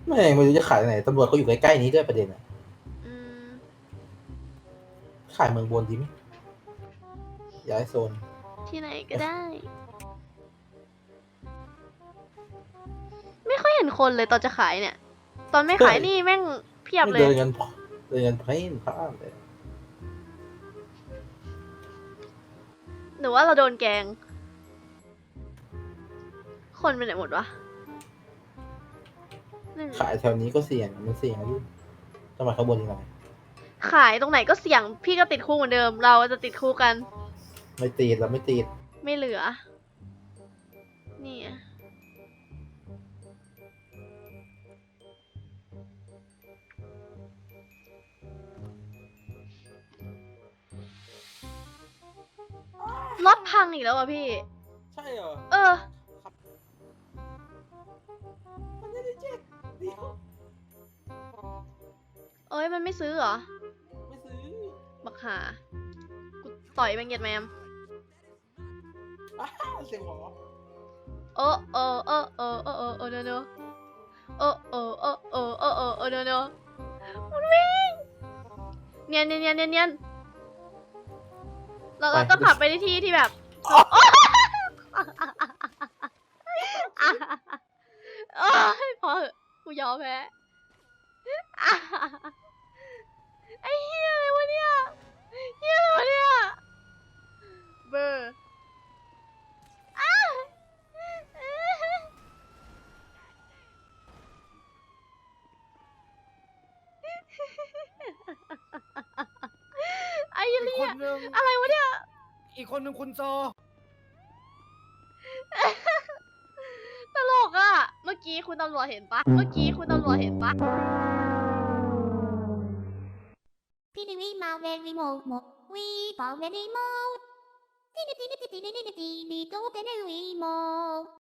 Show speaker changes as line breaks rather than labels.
ไม่รู้จะขายไหนตำรวจเขาอยู่ใกล้ๆนี้ด้วยประเด็นอะ
อืม
ขายเมืองบนดีไหมย้ายโซน
ที่ไหนก็ได้ ไม่ค่อยเห็นคนเลยตอนจะขายเนี่ย ตอนไม่ขายนี่แม่งเพียบ
ไม่
เลย
เดินกันเพ่นพ่านเลย
หรือว่าเราโดนแกง คนไปไหนหมดวะนั่น
ขายแถวนี้ก็เสี่ยงมันเสี่ยงนะพี่จังหวัดข้างบนยังไง
ขายตรงไหนก็เสี่ยง พี่ก็ติดคุกเหมือนเดิม เราจะติดคุกกัน
ไม่ตีดเราไม่ตีด
ไม่เหลือ นี่อะรถพังอีกแล้วอ่ะพี่
ใช่เหรอ
เออ
มันไม่ได้เจ๊กเดี๋ยว
เอ้ยมันไม่ซื้อเหรอ
ไม่ซื้อ
บักหา กูต่อยแมงเย็ดแมม
อ้าเสียงหมอ
เออเออเออเออเออเออเออเนอะเออเออเออเออเออเออเออเนอะมันวิ่งเนียนเนียนเนียนเนียนเนียนเราต้องขับไปในที่ที่แบบเอ้ยพอเหอะกูยอมแพ้ไอ้เหี้ยอะไรวะเนี่ยเหี้ยอะไรวะเนี่ยเบอร์ไอ้
อีก
เหี้
ค
ย
นนึง
อะไรวะเนี่ย
อีกคนนึงคุณโซ
ตลกอ่ะ เมื่อกี้คุณตำรวจเห็นปะเมื่อกี้คุณตำรวจเห็นปะ
ピリウィマウェリモウモウィーパウェリモウティニティニティティニティニティニトテネウィモウ